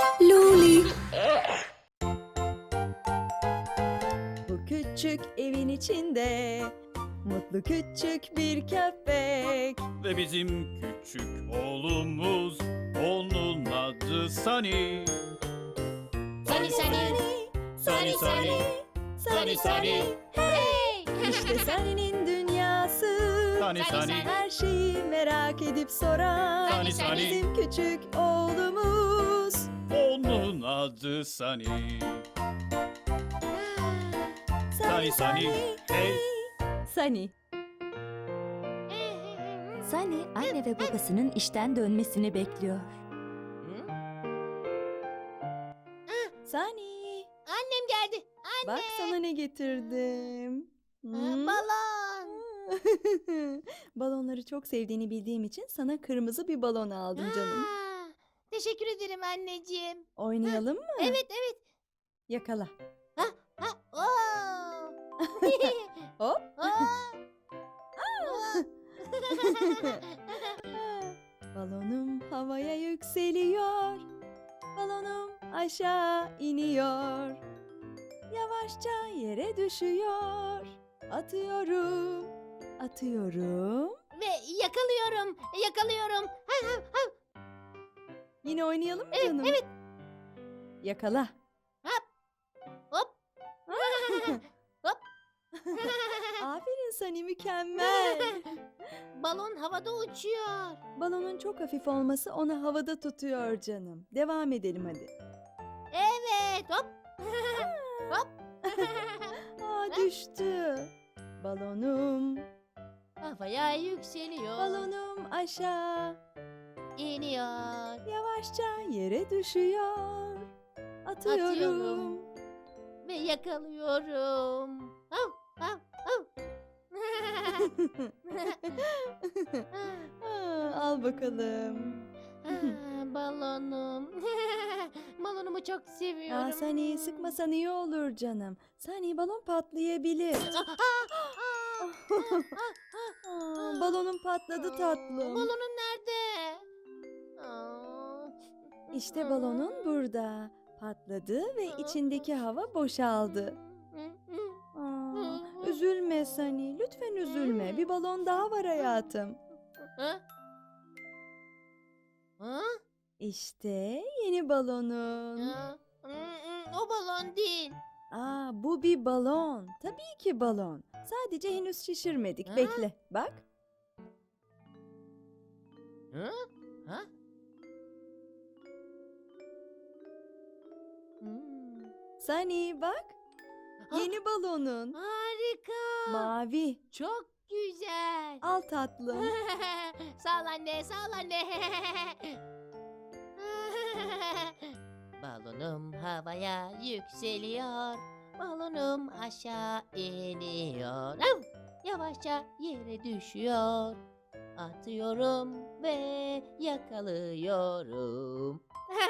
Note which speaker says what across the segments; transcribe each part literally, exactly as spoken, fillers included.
Speaker 1: Luli.
Speaker 2: Bu küçük evin içinde mutlu küçük bir köpek.
Speaker 3: Ve bizim küçük oğlumuz, onun adı Sunny.
Speaker 1: Sunny, Sunny.
Speaker 3: Sunny, Sunny. Sunny, Sunny.
Speaker 1: Hey.
Speaker 2: İşte Sunny'nin dünyası.
Speaker 3: Sunny, Sunny.
Speaker 2: Her şeyi merak edip soran
Speaker 3: Sunny, Sunny.
Speaker 2: bizim küçük oğlumuz.
Speaker 3: Onun adı Sunny. Sunny, Sunny. Hey.
Speaker 2: Sunny.
Speaker 4: Sunny anne ve babasının işten dönmesini bekliyor.
Speaker 2: Sunny.
Speaker 1: Annem geldi. Anne.
Speaker 2: Bak sana ne getirdim.
Speaker 1: Aa,
Speaker 2: Hmm.
Speaker 1: Balon.
Speaker 2: Balonları çok sevdiğini bildiğim için sana kırmızı bir balon aldım canım.
Speaker 1: Aa, teşekkür ederim anneciğim.
Speaker 2: Oynayalım mı?
Speaker 1: Evet evet.
Speaker 2: Yakala.
Speaker 1: Ha, oo.
Speaker 2: Hop.
Speaker 1: Aa.
Speaker 2: Balonum havaya yükseliyor. Balonum aşağı iniyor. Yavaşça yere düşüyor. Atıyorum. Atıyorum.
Speaker 1: Ve yakalıyorum. Yakalıyorum. Ha, ha, ha.
Speaker 2: Yine oynayalım mı
Speaker 1: Evet,
Speaker 2: canım?
Speaker 1: evet.
Speaker 2: Yakala.
Speaker 1: Hop. Hop.
Speaker 2: Aferin Sunny, mükemmel.
Speaker 1: Balon havada uçuyor.
Speaker 2: Balonun çok hafif olması onu havada tutuyor canım. Devam edelim hadi.
Speaker 1: Evet. Hop. Hop.
Speaker 2: Aa, düştü. Balonum,
Speaker 1: Havaya yükseliyor.
Speaker 2: balonum aşağı.
Speaker 1: iniyor.
Speaker 2: Yavaşça yere düşüyor. Atıyorum.
Speaker 1: Atıyorum. Ve yakalıyorum. Hav, hav, hav.
Speaker 2: Aa, al bakalım.
Speaker 1: Ah, Balonum. Balonumu çok seviyorum.
Speaker 2: Aa, Sunny, sıkmasan iyi olur canım. Sunny, balon patlayabilir.
Speaker 1: Ah, ah, ah,
Speaker 2: Aa, balonun patladı tatlım.
Speaker 1: Balonun nerede? Aa.
Speaker 2: İşte balonun burada. Patladı ve içindeki hava boşaldı. Aa, üzülme Sunny, lütfen üzülme. Bir balon daha var hayatım.
Speaker 1: Ha? Ha?
Speaker 2: İşte yeni balonun.
Speaker 1: Ha? Mm, O balon değil.
Speaker 2: Aa, bu bir balon. Tabii ki balon. Sadece henüz şişirmedik.
Speaker 1: Ha?
Speaker 2: Bekle, bak.
Speaker 1: Ha? Ha? Hmm.
Speaker 2: Sunny, bak.
Speaker 1: Ah.
Speaker 2: Yeni balonun.
Speaker 1: Harika.
Speaker 2: Mavi.
Speaker 1: Çok güzel.
Speaker 2: Al tatlım.
Speaker 1: Sağ ol anne, sağ ol anne. Balonum havaya yükseliyor. Balonum aşağı iniyor. Av! Yavaşça yere düşüyor. Atıyorum ve yakalıyorum.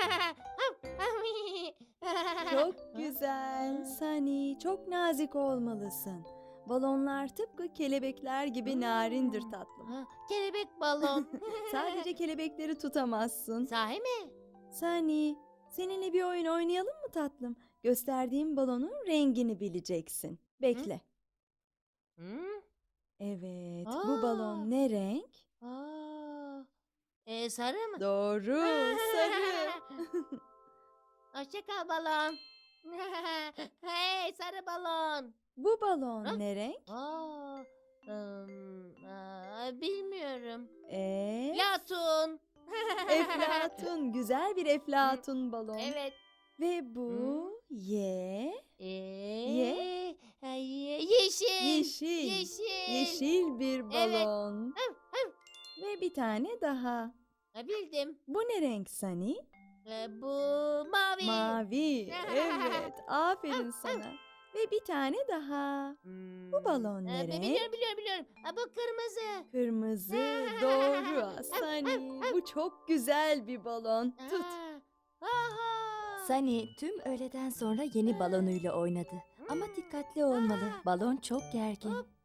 Speaker 2: Çok güzel. Sunny, çok nazik olmalısın. Balonlar tıpkı kelebekler gibi narindir tatlım.
Speaker 1: Ha, kelebek balon.
Speaker 2: Sadece kelebekleri tutamazsın.
Speaker 1: Sahi mi?
Speaker 2: Sunny, seninle bir oyun oynayalım mı tatlım? Gösterdiğim balonun rengini bileceksin. Bekle.
Speaker 1: Hı?
Speaker 2: Evet,
Speaker 1: Aa.
Speaker 2: bu balon ne renk?
Speaker 1: Aa, e, sarı mı?
Speaker 2: Doğru, sarı.
Speaker 1: Hoşça kal balon. Hey sarı balon.
Speaker 2: Bu balon
Speaker 1: Ha?
Speaker 2: ne renk?
Speaker 1: Aa, ım, aa, bilmiyorum.
Speaker 2: Ee,
Speaker 1: Platun.
Speaker 2: eflatun, güzel bir eflatun balon.
Speaker 1: Evet.
Speaker 2: Ve bu ye,
Speaker 1: Ee,
Speaker 2: Ye.
Speaker 1: ay, yeşil.
Speaker 2: yeşil,
Speaker 1: Yeşil.
Speaker 2: yeşil bir
Speaker 1: Evet.
Speaker 2: balon. Ve bir tane daha.
Speaker 1: Ha, bildim.
Speaker 2: Bu ne renk Sunny?
Speaker 1: Ee, bu mavi.
Speaker 2: Mavi. Evet, aferin sana. Ve bir tane daha.
Speaker 1: Hmm,
Speaker 2: Bu balon ne
Speaker 1: ee,
Speaker 2: renk?
Speaker 1: Biliyorum biliyorum biliyorum. Ha, bu kırmızı.
Speaker 2: Kırmızı. Doğru Sunny. Bu çok güzel bir balon. Tut.
Speaker 1: Aa, aha.
Speaker 4: Sunny tüm öğleden sonra yeni balonuyla oynadı. Ama dikkatli olmalı. Balon çok gergin.
Speaker 1: Hop.